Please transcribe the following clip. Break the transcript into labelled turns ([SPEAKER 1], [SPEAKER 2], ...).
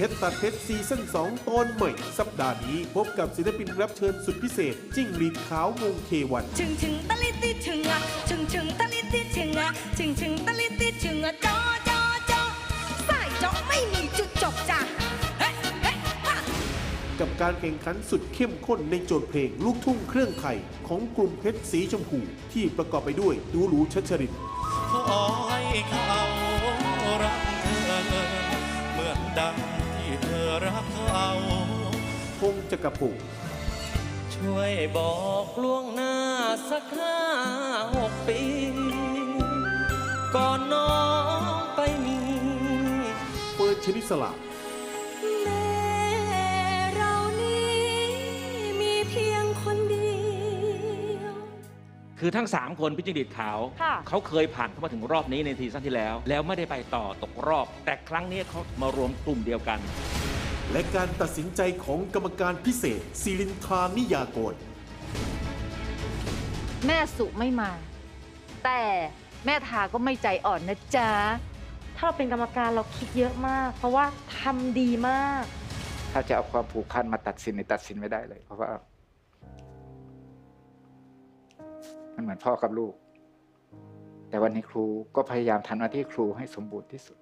[SPEAKER 1] ชรตัดเพชรซีซั่น2 ตอนใหม่ สัปดาห์นี้พบกับศิลปินรับเชิญสุดพิเศษ จิ้งหรีดขาววงเทวัน
[SPEAKER 2] ชึงชึงตะลิติชึงอ่ะชึงชึงตะลิติชึงอ่ะชึงชึงตะลิติชึงอ่ะจอจอจอสายจอไม่มีจุดจบจ้ะเฮ้เฮ้ฮะ
[SPEAKER 1] กับการแข่งขันสุดเข้มข้นในโจทย์เพลงลูกทุ่งเครื่องไทยของกลุ่มเพชรสีชมพูที่ประกอบไปด้วยดูหรูชัชริน
[SPEAKER 3] ขอให้เขารักเธอเหมือนดังที่เธอรักเขา
[SPEAKER 1] พงษ์จักรพงศ์
[SPEAKER 4] ช่วยบอกล่วงหน้าสัก5-6 ปี ก่อนน้องไปมี
[SPEAKER 1] เฟิร์นชนิสลา
[SPEAKER 2] แม่เรานี้มีเพียงคนเดียว
[SPEAKER 5] คือทั้ง 3 คนพี่จิ้งหรีดขาว
[SPEAKER 2] ค่ะ
[SPEAKER 5] เขาเคยผ่านเข้ามาถึงรอบนี้ในซีซั่นที่แล้ว แล้วไม่ได้ไปต่อตกรอบ แต่ครั้งนี้เขามารวมกลุ่มเดียวกัน
[SPEAKER 1] และการตัดสินใจของกรรมการพิเศษศิรินทรานิยากร
[SPEAKER 6] แม่สุไม่มา แต่แม่ทาก็ไม่ใจอ่อนนะจ๊ะ
[SPEAKER 7] ถ้าเราเป็นกรรมการเราคิดเยอะมาก เพราะว่าทำดีมาก
[SPEAKER 8] ถ้าจะเอาความผูกพันมาตัดสินตัดสินไม่ได้เลย เพราะว่า มันเหมือนพ่อกับลูก แต่วันนี้ครูก็พยายามทำหน้าที่ครูให้สมบูรณ์ที่สุด